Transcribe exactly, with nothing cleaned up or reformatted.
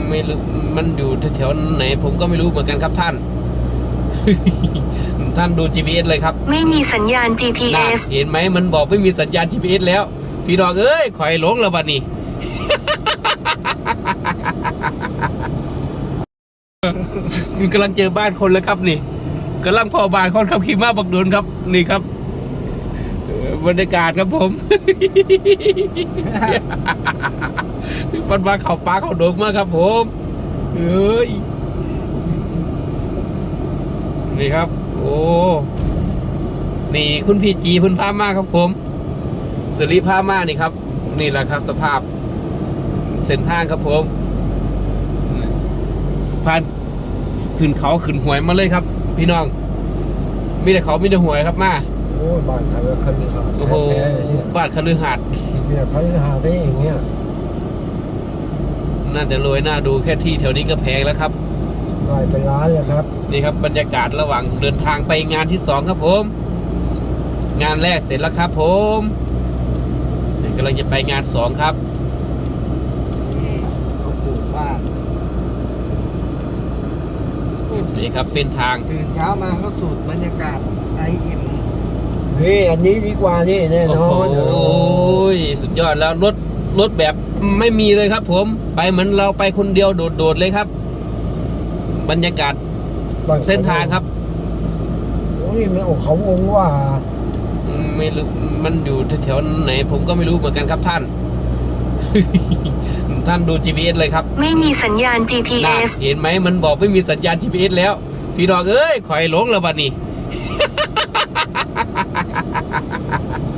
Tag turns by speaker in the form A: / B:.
A: ไม่รู้มันอยู่แถวๆไหนผมก็ไม่รู้เหมือนกันครับท่าน ท่านดู จี พี เอส เลยครับ
B: ไม่มีสัญญาณ จี พี เอส
A: เห็นไหมมันบอกไม่มีสัญญาณ จี พี เอส แล้วพี่น้องเอ้ยข่อยหลงแล้วบัดนี้ มันกำลังเจอบ้านคนแล้วครับนี่กำลังพ่อบ้านคนขับขี่ม้าบักโดนครับนี่ครับบรรยากาศครับผม ปันมาเข่าปลาเข่าโดกมากครับผมเอ้ยนี่ครับโอ้นี่คุณพี่จีคุณพามาครับผมสิริพามานี่ครับนี่แหละครับสภาพเส้นทางครับผมผ่านขึ้นเขาขึ้นหวยมาเลยครับพี่น้องมีแต่เขามีแต่หวยครับมา
C: โอ้บ้านเขาคฤหาสน์
A: โอ้โหบ้านคฤหาสน์
C: เนี่ยคฤหาสน์ได้อย่างเงี้ย
A: น่าจะรวยน่าดูแค่ที่แถวนี้ก็แพงแล้วครับ
C: รายเป็นล้านเลยครับ
A: นี่ครับบรรยากาศระหว่างเดินทางไปงานที่สองครับผมงานแรกเสร็จแล้วครับผมกำลังจะไปงานสองครับ
C: นี่เขาปลูกบ้าน
A: นี่ครับเส้นทาง
C: ตื่นเช้ามาก็สูดบรรยากาศไอเอ็มนี่อันนี้ดีกว่านี่แน่นอน
A: โอ้ยสุดยอดแล้วรถรถแบบไม่มีเลยครับผมไปเหมือนเราไปคนเดียวโดดๆเลยครับบรรยากาศเส้นทางครับ
C: โอ้ยมันโอ้เขาองว่า
A: ไม่รู้มันอยู่แถวๆไหนผมก็ไม่รู้เหมือนกันครับท่าน ท่านดู จี พี เอส เลยครับ
B: ไม่มีสัญญาณ จี พี เอส
A: เห็นไหมมันบอกไม่มีสัญญาณ จี พี เอส แล้วพี่น้องเอ้ยข่อยหลงแล้วบัดนี้